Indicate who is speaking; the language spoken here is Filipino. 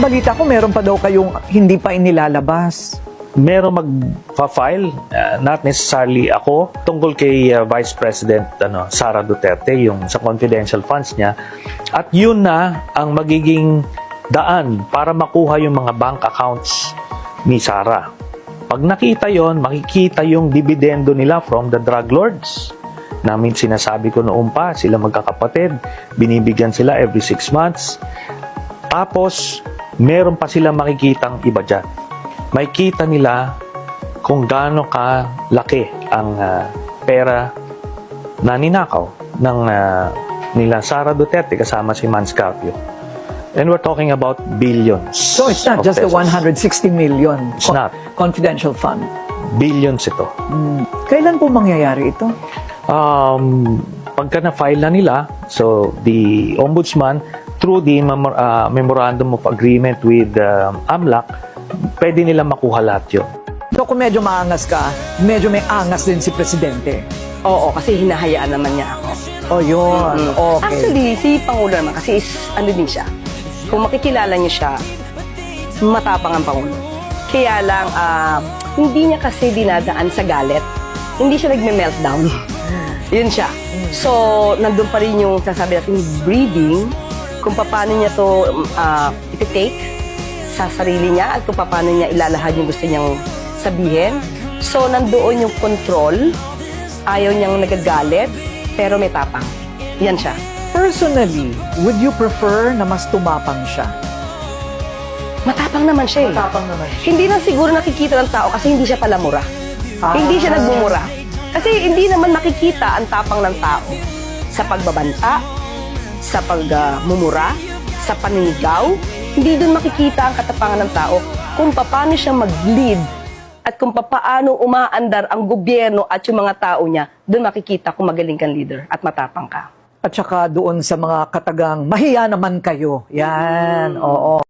Speaker 1: balita ko, meron pa daw kayong hindi pa inilalabas.
Speaker 2: Meron magpa-file, not necessarily ako, tungkol kay Vice President Sara Duterte, yung sa confidential funds niya. At yun na ang magiging daan para makuha yung mga bank accounts ni Sara. Pag nakita yon, makikita yung dividendo nila from the drug lords. Namin sinasabi ko noon pa, sila magkakapatid, binibigyan sila every 6 months. Tapos, meron pa sila makikitang iba dyan. Makikita nila kung gaano kalaki ang pera na ninakaw ng nila Sara Duterte kasama si Mans Carpio. And we're talking about billions.
Speaker 1: So it's not just
Speaker 2: pesos.
Speaker 1: the 160 million
Speaker 2: It's not.
Speaker 1: confidential fund.
Speaker 2: Billions ito.
Speaker 1: Kailan po mangyayari ito?
Speaker 2: Pagka na-file na nila, so the Ombudsman, through the Memorandum of Agreement with AMLAC, pwede nila makuha lahat yun.
Speaker 1: So kung medyo maangas ka, medyo may angas din si Presidente.
Speaker 3: Oo, kasi hinahayaan naman niya ako.
Speaker 1: Oh, yun. Okay.
Speaker 3: Actually, si Pangulo naman kasi ano din siya. Kung makikilala niyo siya, matapang ang Pangulo. Kaya lang, hindi niya kasi dinadaan sa galit. Hindi siya nagme-meltdown. Yun siya. So, nandun pa rin yung sasabi natin, breathing, kung paano niya to iti-take sa sarili niya at kung paano niya ilalahad yung gusto niyang sabihin. So, nandoon yung control, ayaw niyang nagagalit, pero may tapang. Yan siya.
Speaker 1: Personally, would you prefer na mas tumapang siya?
Speaker 3: Matapang naman siya eh.
Speaker 1: Matapang naman siya.
Speaker 3: Hindi na siguro nakikita ng tao kasi hindi siya pala mura. Hindi siya nagmumura. Kasi hindi naman makikita ang tapang ng tao sa pagbabanta, sa pagmumura, sa paninigaw. Hindi doon makikita ang katapangan ng tao kung paano siya mag-lead at kung paano umaandar ang gobyerno at yung mga tao niya. Doon makikita kung magaling kang leader at matapang ka.
Speaker 1: At saka doon sa mga katagang, mahiya naman kayo. Yan, oo.